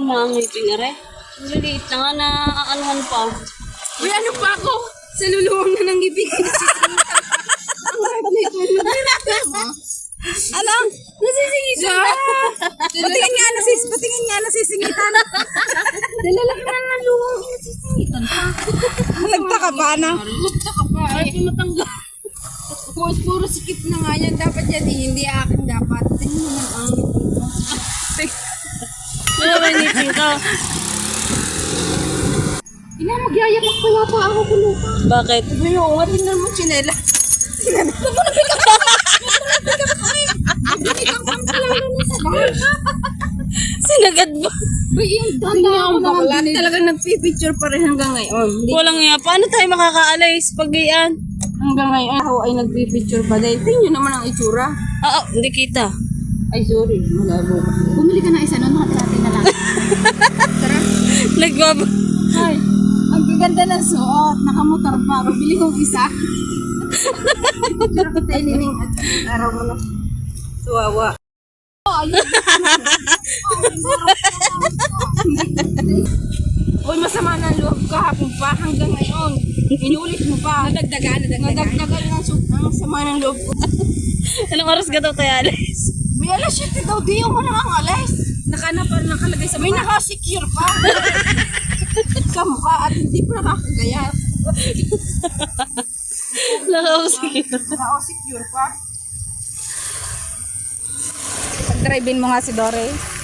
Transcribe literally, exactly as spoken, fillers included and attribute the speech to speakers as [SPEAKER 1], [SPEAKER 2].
[SPEAKER 1] mga ngipin are. Maliliit na nga na aanuhan pa.
[SPEAKER 2] Uy, ano pa ako? Sa luluwang na nang ngipin.
[SPEAKER 1] Alam, nasisingitan.
[SPEAKER 2] Patingin nga, nasis, patingin nga, nasisingitan.
[SPEAKER 1] Dalalaki na ng luwang. Nasisingitan pa.
[SPEAKER 2] Nagtaka pa na.
[SPEAKER 1] Nagtaka pa. Ay, tumatanggal.
[SPEAKER 2] Puro, puro sikip na nga yan. Dapat yan, eh, hindi akin dapat. Tingnan mo naman ang ngipin ko.
[SPEAKER 1] Wala ba yung ngipin ka?
[SPEAKER 2] Ina, magyayapak pa pa ako kulupa.
[SPEAKER 1] Bakit?
[SPEAKER 2] Sabi mo, nga, tingnan mo chinela. Tingnan mo,
[SPEAKER 1] Sinagad ba?
[SPEAKER 2] Uy, yung danda ako naman din. Talagang nagpipicture pa rin hanggang ngayon. Hindi,
[SPEAKER 1] Walang nga. Paano tayo makakaalis pag gayaan?
[SPEAKER 2] hanggang ngayon ako ay nagpipicture pa dahil tingnan nyo naman ang itsura.
[SPEAKER 1] Oo, hindi kita.
[SPEAKER 2] Ay, sorry. Malabo. Bumili ka ng isa nun, nakatiratin na lang. Tara.
[SPEAKER 1] Nagbab...
[SPEAKER 2] Ay, ang gaganda ng suot. Nakamotor pa. Bili kong isa. Picture ko tayo nining at araw mo na. Suwawa. Uy, masama ng loob kahapon pa hanggang ngayon. Inulit mo pa. Nadagdagan, nadagdagan. Nadagdagan ng su- ang sama ng loob ko.
[SPEAKER 1] Anong oras ka daw tayo alis?
[SPEAKER 2] May alas siyete daw, di yung mga ang alas. Naka na pa, nakalagay sa May naka-secure pa. Sa mukha at hindi pa nakakagayat.
[SPEAKER 1] Nakausik.
[SPEAKER 2] Naka-secure pa. Pag-drive-in mo nga si Dore.